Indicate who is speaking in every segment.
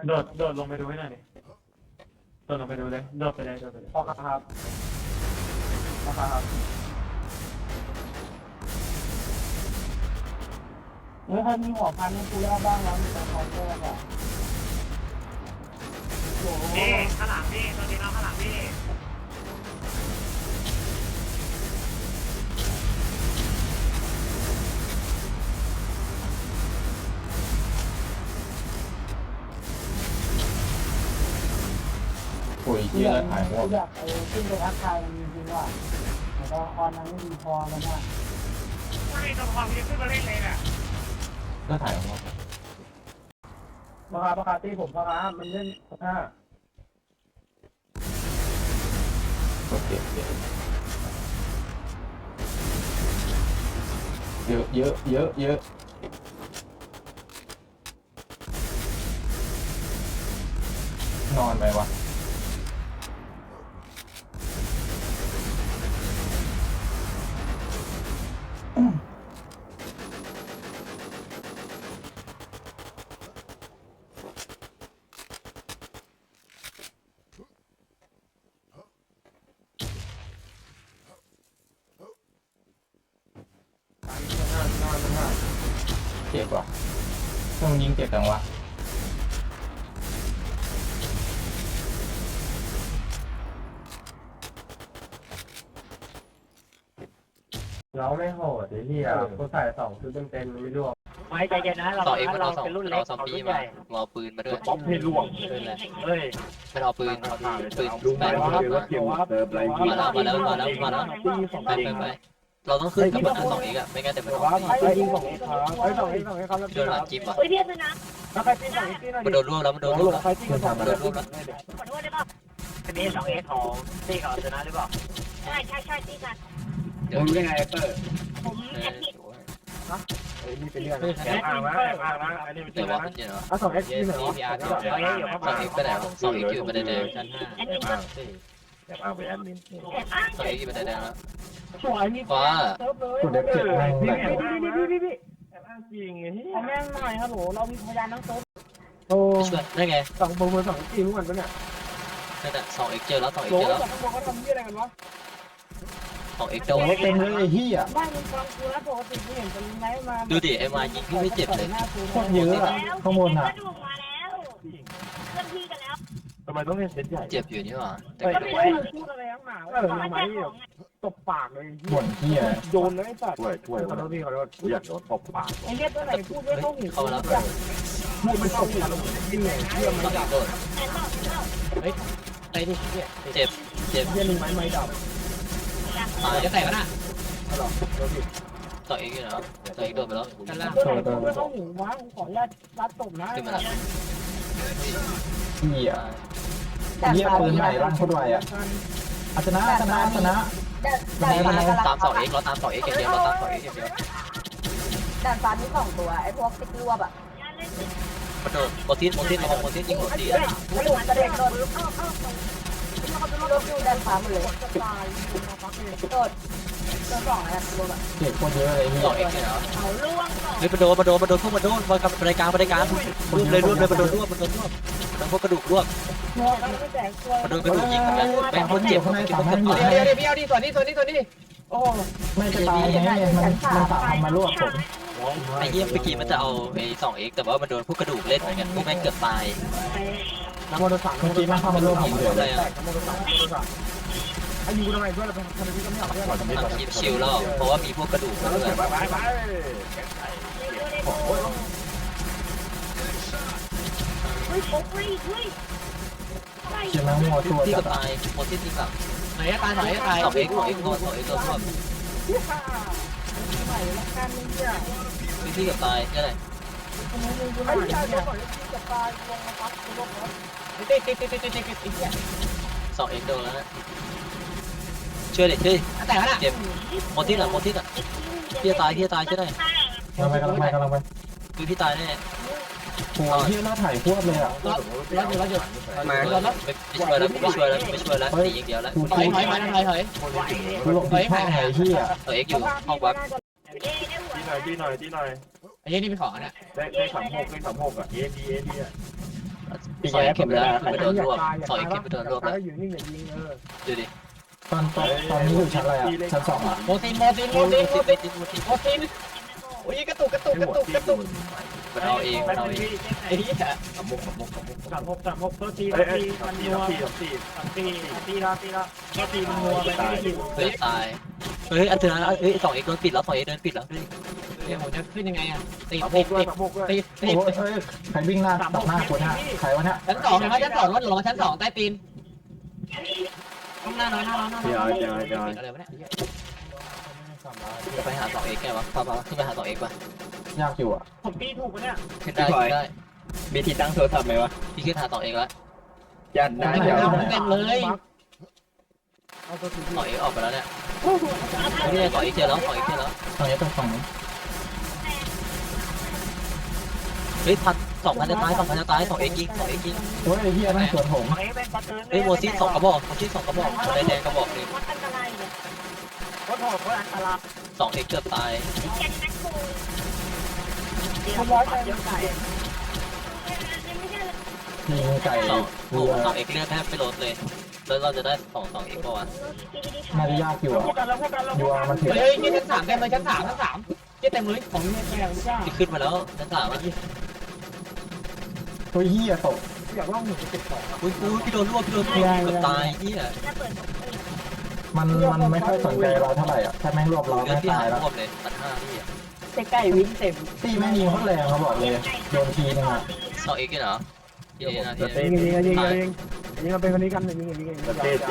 Speaker 1: โดดลงไปดูให้หน่อยดิโดดลงไปดูเลยโดดไปเลย
Speaker 2: พอครับเฮ้ยใครมีหัวพันให้กูแล้วบ้างแล้วมีแต่คอมเตอร์อ่ะ
Speaker 3: พี่ข้างหลังพี่ตัวนี้เราข้างหลังพี่
Speaker 4: โอ้ยเยอะหายหัว
Speaker 2: อยากไปขึ้นไปทักทายจริงๆว่ะแต่ก็คอนนั้นไม่ดีพอแล้วนะ
Speaker 3: ไม่ตัวความที่ขึ้นมาเล่นเลยน่ะ
Speaker 4: ก็ถ่ายหัว
Speaker 2: ประคาตีผมประคามันเล่นห้า
Speaker 4: โอเคเยอะนอนไหมวะเจ็บว่ะต้องยิงเจ็บจังวะ
Speaker 1: เราไม่โหดไอ้เหี้ยกูใส่2ชุดเต็มไม่ร่วง
Speaker 3: ไม่ใจเย็นนะเราเป็นรุ่นเล็กเขารุ่นใหญ่
Speaker 5: เอาปืนมาด้วย
Speaker 1: ป๊อปให้ร่วง
Speaker 3: เฮ้ย
Speaker 5: ไม่เอาปืนแบนมาแล้วเราต้องขึ้นกับมันสองอีกอะไม่งั้นเดี๋ยวมันออก
Speaker 2: ไอ้ยิงสองครับไอ้สองครับ
Speaker 5: โดนหลังจิ้มอ่ะ
Speaker 6: เฮ้ยเพี้ยนเลยนะ
Speaker 2: แล้วใครตีสองตีหน่อย
Speaker 5: มันโดนร่วงแล้วมันโดนร่วงแล้ว
Speaker 2: ใครตีกันสอง
Speaker 5: มันโดนร่วงแล้ว
Speaker 6: ขอโทษได้ป่ะ
Speaker 3: อันนี้2X ของตีกับชนะหรือเปล่า
Speaker 6: ใช่ตีกัน
Speaker 5: เดี๋ยวยังไงเปิด
Speaker 6: ผมแอดมิด
Speaker 2: นี่เป็นเรื่อง
Speaker 3: แอบอ้างนะอันนี้เป็น
Speaker 5: เดี๋ยวว่าเป็นยังไงวะ
Speaker 2: อ่ะสองเอ็กซ์ที่ไหนวะ
Speaker 5: สองอีกไปไหนวะสองอีกอยู่ประเด็นแดงชั้น
Speaker 6: แอดมิด
Speaker 3: แอบอ้างไปแอดมิน
Speaker 6: แอบอ้าง
Speaker 5: สองอีกอยู่ประเด็นแดงแล้ว
Speaker 2: สวยมี
Speaker 5: ฟ้า
Speaker 2: เซิร์ฟเลย
Speaker 4: กูเด็กเจ็บแม่งแหลก
Speaker 2: พี่แอบอ้างจริงไงเอาแม่งหน่อยฮัลโหลเรามีพยานทั้งเซิร์ฟโอ้
Speaker 5: ไปช่วยได้ไง
Speaker 2: สองโปรโมทสองทีมเหมือนกันเนี่ย
Speaker 5: นั่นแหละสองอีกเจอแล้วสองอีก
Speaker 2: โหล
Speaker 5: เจอแล้ว
Speaker 2: สองโปรเขาทำยี่อะไรกันวะ
Speaker 5: สองอีกโดน
Speaker 4: เต็มเลยไอ้เหี้ย
Speaker 2: บ้านมึงฟังกูแล้วปกติกูเห็นเป็นไงมา
Speaker 5: ดูดิไอ้มายิงพี่ไม่เจ็บเลย
Speaker 4: โคตรเยอะอะข้างบนอ่ะ
Speaker 6: กระดูกมาแล้วเคลื่อนที่กันแล้ว
Speaker 1: ทำไมต้องเล่นเซตใหญ่
Speaker 5: เจ็บอยู่นี่หว่าแต่
Speaker 2: เฮ้ย
Speaker 5: ก็
Speaker 2: ไม่
Speaker 5: ไม่
Speaker 2: ได้พูดอะไรทั้งหนาทำไมตบปากเลย
Speaker 4: บ่นเหี้ย
Speaker 2: โยนเลยสัตว์
Speaker 1: ช่วยขอโทษพี่ขอโทษกูอยากโดนตบปาก
Speaker 2: ไอ้เนี้ยตัวไหนพูดไม่เข้าหู
Speaker 5: เข้ามาแล้ว
Speaker 2: พูดไม่เข้าหูจริงเลยเชื่อ
Speaker 5: ส
Speaker 2: ไม่
Speaker 5: องอี
Speaker 2: ดั
Speaker 5: ก
Speaker 2: บ
Speaker 5: โดน
Speaker 6: แต่ต่อ
Speaker 5: เจ็บ
Speaker 2: เชื่อไม่ดับ
Speaker 5: ตาย
Speaker 3: จะแตกแล้วนะ
Speaker 5: สองอีกอยู่นะสองอีกโดนไปแล้ว
Speaker 3: ชั้นล่าง
Speaker 2: ตัวไหนพูดไม่เข้าหูวะขออนุญาตรัดตบนะ
Speaker 5: ขึ้นมาแล้ว
Speaker 4: เหี้ยเหี้ยปืนใหม่ลั่นโคตรไวอ่ะชนะ
Speaker 5: ตามสองเอ็กเราตามสองเอ็กอย่างเดียวเราตามสองเอ็กอย่างเดียว
Speaker 7: ด่านฟ้ามี2 ตัวไอ้พวกติ๊กรวบอ่ะ
Speaker 5: มันโดนโมทิสระวังโมทิสยิงหัวตี
Speaker 7: กระโดดโดนอยู่ด่านฟ้าหมดเลยโดด2อะไรรวบอ่ะ
Speaker 4: เจ็บโคตรเยอะเลยเหี้
Speaker 5: สองเอ็กเนี่ยเหรอ
Speaker 6: เขาล่วงก่อน
Speaker 5: เฮ้ยมันโดนพวกมันโดนบริการรวบเลยมันโดนรวบมันพวกกระดูกรวบ
Speaker 2: หัวกันไม่แตกตัว
Speaker 5: มันโดนกระดูกยิงเหมือนกันแม่งโคตรเจ็บ
Speaker 4: ข้างใน
Speaker 5: กิน
Speaker 4: สาม
Speaker 5: พวก
Speaker 4: ให้
Speaker 5: กระ
Speaker 4: อยู่
Speaker 5: ดูก
Speaker 3: เดี๋ยวพี่เอาดิส่วนนี้
Speaker 2: โอ้
Speaker 4: ไม่จะตายไงมันตามมารวบผม
Speaker 5: ไอ้เยี่ยมเมื่อกี้มันจะเอาไอ้สองเอ็กแต่ว่ามันโดนพวกกระดูกเล่นเหมือนกันพวกแม่งเกือบตาย
Speaker 2: น้ำมันสั่ง
Speaker 4: เมื่อกี้มันเข้ามารวบผมเลย
Speaker 5: อะไรอ่ะ
Speaker 2: น้ำมันสั่งไอ้ยูทำไมเพื่อนเราเป็นคนที่ก็ไม่เอาเพื่อนเรา
Speaker 5: ทำคลิปชิลแล้วเพราะว่ามีพวกกระดูกด้วย
Speaker 1: ไป
Speaker 6: เฮ้ยโอ้ยเฮ้ย
Speaker 4: เชื่อแม่งมัวตัว
Speaker 5: ที่
Speaker 4: จั
Speaker 5: ก็
Speaker 4: ด
Speaker 5: ตายโมทิสยิงหลัง
Speaker 3: ไหนจะตายไหนจะตาย
Speaker 5: สองเอ็กโดนรวบ
Speaker 2: ใหม่ละกันเนี่ย
Speaker 5: ที่กับตายนี่แหละ
Speaker 2: ไอ้ชายตัวก่อนที่จะตายลงมาปั๊บลงรถ
Speaker 3: ติ๊ก
Speaker 5: สองเอ็กโดนแล้วนะช่วยเด็กช่วย
Speaker 3: แตกแล้วนะ
Speaker 5: เจ็บโมทิสอ่ะพี่จะตายช่วยได้
Speaker 4: กำลังไป
Speaker 5: คือพี่ตายแน่
Speaker 4: หัวที่หน้าถ่ายพวกเลยอ่ะ
Speaker 3: เราหยุด
Speaker 5: ไม่ช่วยแล้วหนีอย่างเดียวแล้ว
Speaker 3: ถอย
Speaker 4: กูหลบผิดช่องไงที่อ่ะ
Speaker 5: เอ็กอยู่ห้องวัด
Speaker 1: ดีหน่อย
Speaker 3: ไอ้ยี่นี่เป็นของอ่ะ
Speaker 1: ได้36อ่ะเอดีอ่ะ
Speaker 3: สอยเข็มแล้วไปโดนรวบสอยเข็มไปโดนรวบแล้ว
Speaker 2: อยู่นิ่งอย่ายิง
Speaker 3: ดูดิ
Speaker 4: ตอนนี้อยู่ชั้นอะไรอ่ะชั้น2อ่ะ
Speaker 3: โมซินโอ้ยกระตุกมันเอาเองไอ้ที่กับมุก
Speaker 2: 36ตัวทีมันนัวตีละก็ตีมันนัวไปไม่ได้อยู่
Speaker 3: เฮ้ยตาย
Speaker 5: เฮ้ยอันเถื่อนเอ้ย2 เดินปิดแล้ว2 เดินปิดแล้ว
Speaker 3: เดี๋ยวผมจะขึ้นยังไงอ่ะติด
Speaker 2: โอ้ย
Speaker 4: ใครวิ่งหน้าตัดหน้าคนฮะใครวะเนี่ย
Speaker 3: ชั้น 2นะชั้น 2รถหลงชั้น 2ใต้ตีนข้างหน้าน้อยอะไรวะเนี่ยไปหา2 x แกวะพาขึ้นไปหา2 x ป่ะ
Speaker 4: ยากอยู่อ่ะ
Speaker 2: ผมตีถูกปะเนี่ย
Speaker 3: ขึ้นได้
Speaker 8: มีที่ตั้งโทรศัพท์ไหมวะ
Speaker 3: พี่ขึ้นหา2 x แล้ว
Speaker 8: ยันได้เดี๋ยว
Speaker 3: เต็มเลย
Speaker 2: เอาตัวที
Speaker 3: 2 x ออกไปแล้วเนี่ยไม่ได้2 x เจอแล้ว2 x เจอแล้ว
Speaker 4: ตรงนี้ต้องฝั่งนี้
Speaker 5: เฮ้ย2,000จะตาย2,000จะตาย2 x ยิง2 x ยิง
Speaker 4: โอ้ยไอ้เหี้ยนั่งสวนผม
Speaker 5: เฮ้ยโมซิ2 กระบอกแดงกระบอกนึง
Speaker 6: วัดอันตรายเลย
Speaker 2: ก็ถอดก็อันตราย
Speaker 3: 2 x เกือบตาย
Speaker 6: แกนแม็กโค
Speaker 2: ขโมยไปเยอะไก่
Speaker 6: ไม่ใช่เลย
Speaker 4: ยิงไก่
Speaker 3: 2 x เลือดแทบไม่ลดเลยแล้วเราจะได้2 x ป่าวะ
Speaker 4: น่าจะยากอยู่อ่ะ
Speaker 2: พูดกันแล้ว
Speaker 4: ยัวมันถือ
Speaker 3: เฮ้ยชั้น 3เต็มเลยชั้น 3เต็มเลย
Speaker 2: ของเนี่ยแกงจ้า
Speaker 3: ที่ขึ้นมาแล้วชั้น 3อ่ะ
Speaker 4: ตัวเหี้ยตก
Speaker 2: อยากล่องหนึ่งไป12
Speaker 5: อุ้ยพี่โดนรวบเกือบตายเหี้ย
Speaker 6: ถ้าเปิด
Speaker 4: มันไม่ค่อยสนใจเราเท่าไหร่อ่ะถ้าแม่งรวบเรา
Speaker 3: เลือ
Speaker 4: ไม่
Speaker 3: ดที่
Speaker 4: ตา
Speaker 3: หาย ย
Speaker 4: แล้ว
Speaker 3: รวบเลย1,500พี่อ่ะ
Speaker 7: ไก่วิ่งเต็ม
Speaker 4: ตีแม่งยิงโคตรแรงเขาบอกเลยโดนทีนึงอ่ะ
Speaker 3: 2 x เหรอที่นี่นะที่
Speaker 2: ยิงเราเป็นคนนี้กันยิง
Speaker 8: เต้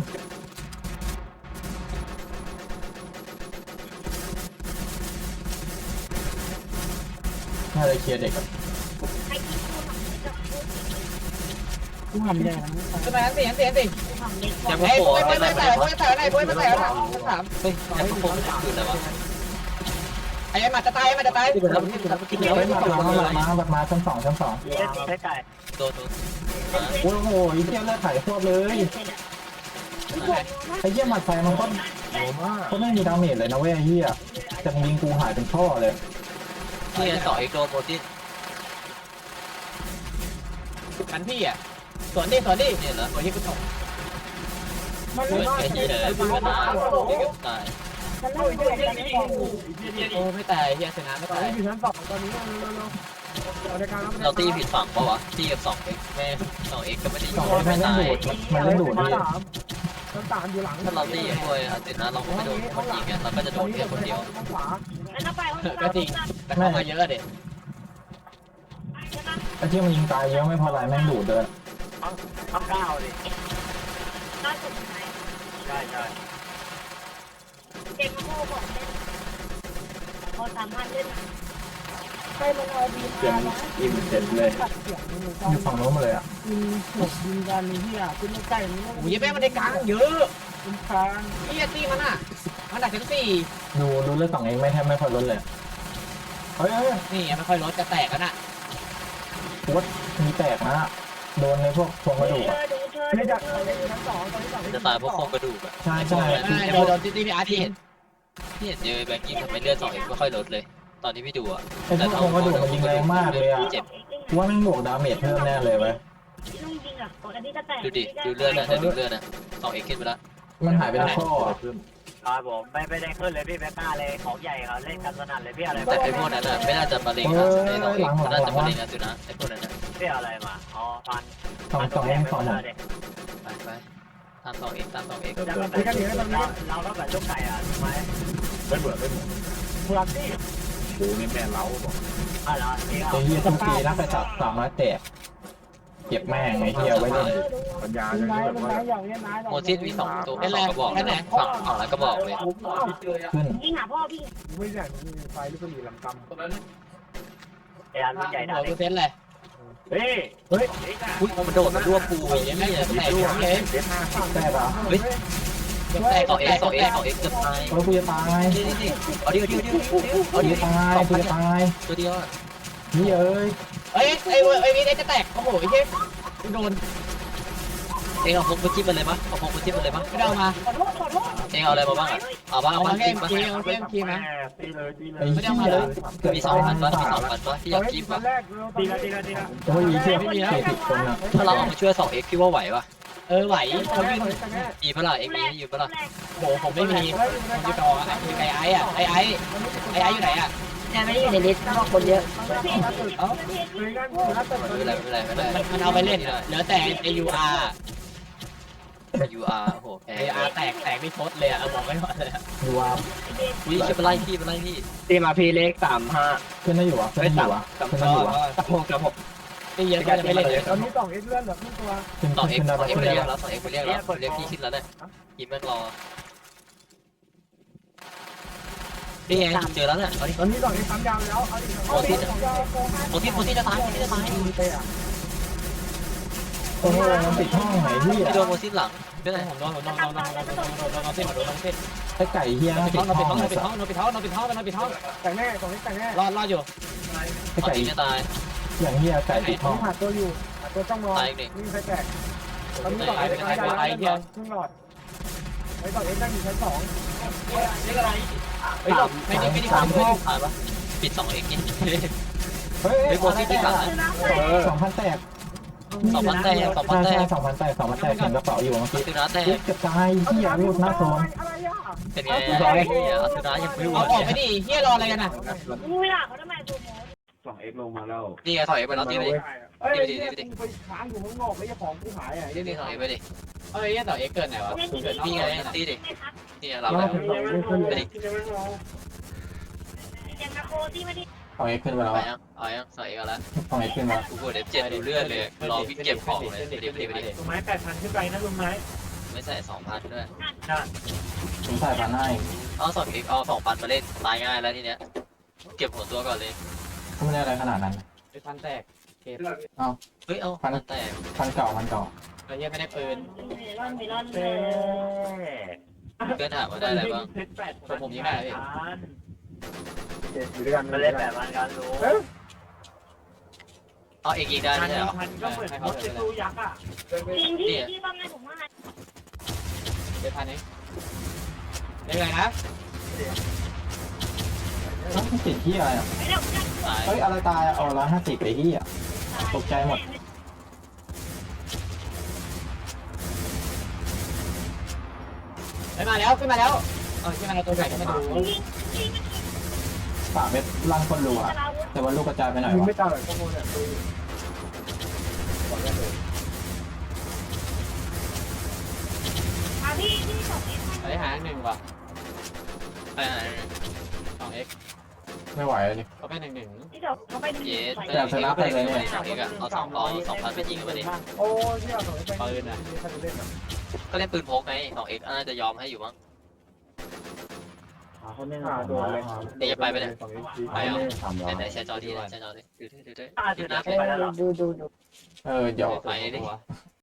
Speaker 4: น่าจะเคลียร์เด็กอ่ะ
Speaker 6: ใครที่พูดหนังจะพูด
Speaker 2: กูทำแย่
Speaker 3: ขึ้นมาชั้น 4
Speaker 6: กูทำเล็กก
Speaker 3: ยั
Speaker 6: ว่าง
Speaker 3: ไม่โผล่ไม่แต่ไหนโผล่ไม่แต่ไหนชั้น 3
Speaker 5: เฮ้ยยังไม่โผล่
Speaker 3: คืออะไรวะไอ้มาจะตาย
Speaker 5: ที่ไปแล้วที่ไปแล้วที่ไป
Speaker 4: เฮ้ย
Speaker 5: แล้ว
Speaker 4: มาชั้น 2ชั้น
Speaker 3: โดน
Speaker 4: 2โอ้โหไอ้เหี้ยเลือดไถ่พวกเลยไอ้เหี้ยหมัดไฟมันก็ก็ไม่มีดาเมจเลยนะเว้ยไอ้เหี้ยแต่ยิงกูหายเป็นท่อเลย
Speaker 3: ที่2 x โดนโมดิกันพี่อ่ะสวนดิเนี่ยเหรอตัวที่กูตก
Speaker 2: มันเลย
Speaker 3: ไอ้ที่เลยมันตายตาย
Speaker 7: ฉันเล่าอยู่ในนั้นก่อน
Speaker 3: โอ้ไม่ตายเฮียชนะไม่ตาย
Speaker 2: อยู่ชั้น2ตอนนี้เราได้การ
Speaker 3: เราตีผิดฝั่งปะวะตีกับ2 x แม่2 x ก็ไม่ได้ยิ
Speaker 4: สอง
Speaker 3: ง
Speaker 4: มั
Speaker 3: ไม่
Speaker 4: นเล่น
Speaker 3: ตาย
Speaker 4: ดูดมันเล่นดูดดิ
Speaker 2: ชั้น3อยู่หลัง
Speaker 3: ถ้าเราตีกับพวกอาเจนะเราก็ไม่โดนคนยิงไงเราก็จะโดนแค่คนเดียว
Speaker 2: ขวา
Speaker 6: แล้วก็ไปห้อง
Speaker 3: ก็จริงแต่เข้ามาเยอะเด็ด
Speaker 6: ใช่ไหม
Speaker 4: ไอ้ที่มันยิงตายเยอะไม่พอไรแม่งดูดเลย
Speaker 2: ทั้ง9ดิ
Speaker 6: ล่าสุดไหน
Speaker 2: ใช่
Speaker 6: เด็กมาโม่บอกเล่นพอ3,000เล่น
Speaker 7: ใครมันเอาดี
Speaker 8: เสียง
Speaker 7: มา
Speaker 8: อิ่มเสร็จเลย
Speaker 7: ตัดเสียงมือ
Speaker 4: อยู่ฝั่งโน้นมาเลยอ่ะ
Speaker 2: ยิงกันนี่อ่ะขึ้นใกล้นี่
Speaker 3: โอ้ยแม่มันได้กลางเยอะ
Speaker 2: ขึ้นค้าง
Speaker 3: เฮียตีมันอ่ะมันดักชั้น
Speaker 4: ดูเลือด2เองไม่แทบไม่พอลดเลยเฮ้ย
Speaker 3: 4นี่ไม่ค่อยลดจะแตกกันอ่ะ
Speaker 4: วัดมีแตกนะโดนในพวกพวงกระดูก
Speaker 6: เธ
Speaker 4: อ่ะ
Speaker 6: อดูเธอ
Speaker 2: ไม่
Speaker 6: ดู
Speaker 2: จาก
Speaker 6: เธอดู
Speaker 2: ชั้น2ตอนนี้2
Speaker 3: จะตายเพราะโครงกระดูกอ่ะ
Speaker 4: ใช่ใช่
Speaker 3: โดนตีพี่อาร์ที่เห็นเจอแบงกี้ทำไมเลือด2 x ไม่ค่อยลดเลย ตอนที่พี่ดูอ่ะ
Speaker 4: ไอ้พวกพวงกระดูกมันยิงแรงมากเลยอ่ะ
Speaker 3: เจ็บ
Speaker 4: กูว่าแม่งบวกดาเมจเพิ่มแน่เลยเว้ย
Speaker 6: ลุงจริงอ่ะอันนี้จะแตก
Speaker 3: ดูดิดูเลือดนะดูเลือดนะ2 x ขึ้นไปแล้ว
Speaker 4: มันหายไปทั้งข้ออ่ะ
Speaker 2: ครับผมไม่ได้ขึ้นเลยพี่แม่ต้าเลยของใหญ่เขาเล่นกันสนั่นเลยพี่อะไร
Speaker 3: แต่ไอ้พวกนั้นอ่ะไม่น่าจะมาเล็งนะไอ้2 x น่าจะมาเล็งนะจุนะไอ้พวกนั้นนะ
Speaker 2: พี่อะไรมาอ๋อพัน
Speaker 4: สองหมด
Speaker 3: ไปตาม2 x ตาม2 x
Speaker 2: เราต้องแบบลูกไก่อ่ะถูกไหม
Speaker 8: ไม่เหมือน
Speaker 2: พลังที่
Speaker 8: กูนี่แม่เล้าบอก
Speaker 2: อะไรนี่
Speaker 4: ไอ้เหี้ยทุกปีนักไปจับ300แตกเก็บแม่งไอ้เหี้ยไว้เล่น
Speaker 8: ปัญญาอย่างนี้แบบว่า
Speaker 3: โมซิสมี2ตัว2กระบอกแค่ไหนฝั่งละกระบอกเลย
Speaker 4: ขึ้น
Speaker 6: ยิงหาพ่อพี่
Speaker 2: ไม่ใช่ไฟลูกกระดิ่งลำกำไอ้อันใหญ่
Speaker 3: หัวเซนเลย
Speaker 2: เฮ้ย
Speaker 5: อุ้ยมันโดดมันรวบปูอย่าง
Speaker 3: ไม่
Speaker 5: นี้
Speaker 3: แตกเลย
Speaker 4: แตกเหรอ
Speaker 3: แตก2 x 2 x 2 x เกือบตาย
Speaker 4: เออกูจะตาย
Speaker 3: นี่เอาดิ
Speaker 4: กูจะตายกูจะตาย
Speaker 3: ตัวเดียวอ่ะ
Speaker 4: นี่เอ้ย
Speaker 3: ไอ้นี่จะแตกโอ้โหไอ้เหี้ยโดน
Speaker 5: เองเอาพกมาจิ้มมันเลยปะเอาพกมาจิ้มมันเลยปะ
Speaker 3: ไม่ได้เอามา
Speaker 7: ขอโทษขอโทษ
Speaker 5: เองเอาอะไรมาบ้างอ่ะเอาบ้าง
Speaker 3: เอา
Speaker 5: เอา
Speaker 3: มา
Speaker 5: บ้าง
Speaker 3: แค่
Speaker 5: จิ้ม
Speaker 3: เอ็ม
Speaker 5: ปะ
Speaker 3: เคเอาแค่เอ็มเคนะ
Speaker 1: ตีเลยตีเลย
Speaker 4: ไอ้เหี้ยเกิด
Speaker 5: มี
Speaker 4: ตา
Speaker 5: 2,000
Speaker 4: ย
Speaker 5: ปะมี
Speaker 4: สา
Speaker 5: 2,000ปะที่อยากจิ้มปะ
Speaker 1: แรก
Speaker 2: ตีละตีละตีละ
Speaker 4: โอ้ยไอ้เหี้ย40 คนอะ
Speaker 5: ถ้าเราเอามาช่วย 2x พี่ว่าไหวปะ
Speaker 3: ไหวเขาวิ่ง
Speaker 5: มีพลัง x มีอยู่ปะล่ะ
Speaker 3: โหผมไม่มีผมจะต่อมีไอ้อะไอ้อยู่ไหนอะ
Speaker 6: แต่ไม่ได้อยู่ในลิสต์เพราะคนเยอะ
Speaker 5: ไม่เป็นไรไม่เป็นไรไม่เป็นไร
Speaker 3: มันเอาไปเล่นเหลือแต่ไอยูอาร์
Speaker 5: UR โอ้โหแพ้
Speaker 3: ไออาร์แตกไม่พดเลยอะบอกไม่หมดเลย
Speaker 4: ดูว่า
Speaker 5: วิ่งขึ้นไปไล่พี่ไปไล่พี่
Speaker 1: ตีมาพีเล็ก35
Speaker 4: ขึ้นได้อยู่วะขึ้นได้อยู่วะขึ้นได้อยู่วะ
Speaker 1: กับผม
Speaker 3: ไม่เยอะก็จะไม่เล่นเลย
Speaker 1: ตอนนี้2 x เลื่อนแบบทุกตัว
Speaker 4: ขึ้น
Speaker 5: 2x
Speaker 4: ขึ้นได้ปะ
Speaker 5: 2x
Speaker 4: ขึ้น
Speaker 5: ไป
Speaker 4: ได้
Speaker 5: เรียก
Speaker 4: ปะ
Speaker 5: แล้ว 2x ไปเรียกแล้วเรียกพี่ขึ้นแล้วเนี่ยยิมแม่งรอนี่ไงเจอแล้วเนี่ยเอาดิ
Speaker 1: ตอนนี้2 x 3ยาวแล้วเอาดิ
Speaker 5: โมที่จะตายโมที่จะตาย
Speaker 4: โอ้โหมันปิดห้องไหนเหี้ย
Speaker 5: พี่โดนโมที่หลังเป็นไร
Speaker 3: ผมโดนเส้น
Speaker 4: ไอ้ไก่เหี้ยน่า
Speaker 3: ปิ
Speaker 4: ปิ
Speaker 3: ด
Speaker 4: ด
Speaker 3: ท้อง
Speaker 4: ห้อง
Speaker 3: ปิดท้องปิดท้องปิดท้องปิดท้อง
Speaker 1: แต่แน่2 x แต่แน่
Speaker 3: รอดอยู่
Speaker 4: ไอ้
Speaker 5: ต่อ
Speaker 4: ไก่
Speaker 5: ยจะตาย
Speaker 4: อย่างเหี้ยไก่ปิดห้อง
Speaker 1: หาตัวอยู่หาตัวจ้องรอ
Speaker 5: ตายอีกหนึ่ง
Speaker 1: วิ่งไปแจกตอนนี้2 x 3ยาวแล้วครึ่งหลอดไอ้2 x นั่งอยู่ชั้น2
Speaker 3: ไม่ได้
Speaker 5: ตายปะปิด 2x นี่
Speaker 4: เฮ้ย
Speaker 5: เฮ้ยโมที่ที่หลัง
Speaker 4: 2,000 แตก
Speaker 5: 2,000แตก
Speaker 4: ใช่ใช่2,000 แตก2,000 แตกเห็นกระเป๋าอยู่เมื่อกี้
Speaker 5: คือน้าแตก
Speaker 4: เฮ้ยเกือบตายเหี้ยรูดหน้าโซน
Speaker 1: อะไรอ่ะ
Speaker 5: เป็นไงคือน้ายังไม่รู้
Speaker 3: เอาออกไปดิเฮียรออะไรกันอ่ะ
Speaker 6: มึงไม่ด่าเขาทำไมกูโม
Speaker 8: 2x ลงมาแล้ว
Speaker 5: นี่ไงถอยไปแล้วตีไปดิ
Speaker 1: เอ้ยไปค้างอยู่ข้างนอกไม่ใช่ของกูหายอ่ะ
Speaker 5: นี่ถอยไปดิ
Speaker 3: เฮ้ยต่อเอ็กเกินไหนวะ
Speaker 5: นี่ไงตีดิ
Speaker 6: ไม่ครับ
Speaker 5: นี่เราแล้วไปดิ
Speaker 6: ยังมาโคที่มาดิ
Speaker 4: เอาไอ้ขึ้นไปแล้ว
Speaker 5: ไป
Speaker 4: อะ
Speaker 5: ยังเอายังใส่กันแล้ว
Speaker 4: เอาไอ้ขึ้นมา
Speaker 5: กูกด F7 ดูเลือดเลยรอวิ่งเก็บของเลยไปดิไปดิไปดิ
Speaker 2: ลุงไม้8,000ขึ้นไปนะลุงไม้
Speaker 5: ไม่ใส่ 2,000 ด้วย
Speaker 4: ผมใส่พันให้
Speaker 5: เอา2x เอา 2,000 มาเล่นตายง่ายแล้วทีเนี้ยเก็บหัวตัวก่อนเลย
Speaker 4: ก็ไม่ได้อะไรขนาดนั้น
Speaker 3: เป็นพันแตกเคส
Speaker 5: เฮ้ยเอาแต่
Speaker 4: พันเก่า
Speaker 3: ไอ้เฮียไม่ได้ปืน
Speaker 6: ไม่ร่อนเลย
Speaker 5: เพื่อนถามว่าได้อะไรบ้าง
Speaker 3: ผมยิงได้พี่
Speaker 1: อยู่ด้วยกันมาเล่นแบบมันกันรู้
Speaker 5: เอาเอกยิงได้ไม่ใช่เหรอ
Speaker 2: 1,000ก็เหมือนรถเป็นตู้ยักษ์อ่ะ
Speaker 6: จริงที่ที่บ้านไงผมว่า
Speaker 3: เป็นพันเองเล่นอะไรนะ
Speaker 4: น้ำติดที่อะไรอ่ะ
Speaker 6: ไม่ได้
Speaker 5: ตาย
Speaker 4: เฮ้ยอะไรตายเอา150ไปที่อ่ะตกใจหมด
Speaker 3: มาแล้วขึ้นมาแล้วขึ้นมาแล้วตัวใหญ่ก็ไม่ดู
Speaker 4: ป่าเม็ดลังคนรัวแต่ว่าลูกกระจายไปหน่อย
Speaker 1: ยิง
Speaker 4: วะ
Speaker 1: ไม่ตายข้อมูลเนี่ย
Speaker 6: พี่ที่สองเอ็กซ์
Speaker 3: ไอ้หาหนึ่งว่ะ
Speaker 5: ไปไหน
Speaker 3: 2x
Speaker 4: ไม่ไหวเลย
Speaker 3: เขาเป็น1-1
Speaker 6: ที่สองเขาไปดึง
Speaker 5: เยส
Speaker 6: ไป
Speaker 5: แต่ชนะไปเลยเนี่ย2x อ่ะเอา2,000ไปยิงกันมาดิ
Speaker 1: โอ้ยที่เราสองไป
Speaker 3: ปืนอ่ะ
Speaker 1: ถ้าจะเล่นนะ
Speaker 5: ก็เล่นปืนพกไง 2x น่าจะยอมให้อยู่มั้ง
Speaker 1: เขาไม่หาตัวเลย
Speaker 5: เดี๋ยวจะไปไปเลย
Speaker 1: 2 x
Speaker 5: ไปเอาไหนแชร์จอทีแชร์จอดิดู
Speaker 6: ดู
Speaker 5: นะ
Speaker 6: ดูดู
Speaker 4: เดี๋ยว
Speaker 5: ไปดิ